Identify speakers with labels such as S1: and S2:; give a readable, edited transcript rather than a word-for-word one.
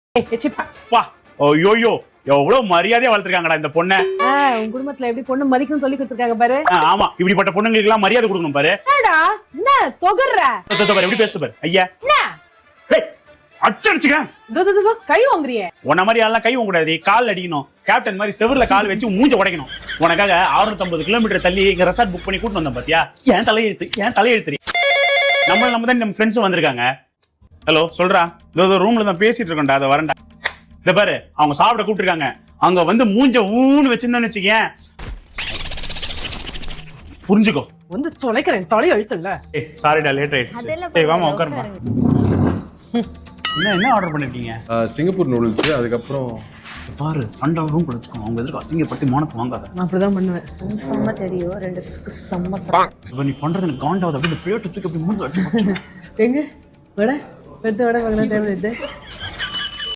S1: ஐயோ எவ்வளவு மரியாதையா வளர்த்திருக்காங்கடா இந்த பொண்ணை.
S2: உங்க குடும்பத்துல எப்படி பொண்ணு மதிக்கணும்னு சொல்லி கொடுத்துருக்காங்க பாரு.
S1: ஆமா, இப்படிப்பட்ட பொண்ணுங்களுக்கு எல்லாம் மரியாதை கொடுக்கணும் பாரு.
S2: என்ன தொகர்ற
S1: பாரு எப்படி பேசுது பாரு. ஐயா அடிச்சுக்க
S2: கை வாங்குறியே.
S1: உன்ன மாதிரி எல்லாம் கை வாங்க கூடாது, கால் அடிக்கணும். கேப்டன் மாதிரி செவர்ல கால் வச்சு மூஞ்ச உடைக்கணும். உனக்காக 650 கிலோமீட்டர் தள்ளி இங்க ரெசார்ட் புக் பண்ணி கூட்டு வந்தோம் பாத்தியா. ஏன் தலையெழுத்து நம்ம தான் நம்ம ஃப்ரெண்ட்ஸும் வந்திருக்காங்க. ஹலோ சொல்றா, இதோ ரூம்ல தான் பேசிட்டு இருக்கோம்டா, அதை வரண்டா. இத பாரு, அவங்க சாப்பிட கூப்பிட்டுருக்காங்க. அங்க வந்து மூஞ்ச ஊன்னு வச்சிருந்தான்னு வச்சுக்கேன், புரிஞ்சுக்கோ.
S2: வந்து தொலைக்கிறேன், தொலை எழுத்துல.
S1: சாரிடா லேட் ஆயிடுச்சு. வாமா உட்காருமா. என்ன ஆர்டர் பண்ணிருக்கீங்க?
S3: Singapore noodles. அதுக்கப்புறம்
S1: பாரு, சண்டை ரூம் வச்சுக்கோ. அவங்க எதிர்க்க அசிங்கப்படுத்தி மானத்தை வாங்காத.
S2: நான் அப்படிதான் பண்ணுவேன்.
S4: செம்ம தெரியும், ரெண்டு பேருக்கு செம்ம சாப்பாடு.
S1: இப்போ நீ பண்றது எனக்கு காண்டாவது. அப்படி இந்த பிளேட் தூக்கி அப்படி மூணு வச்சு
S2: எங்க வட பெருத்த வட வாங்கினா தேவை.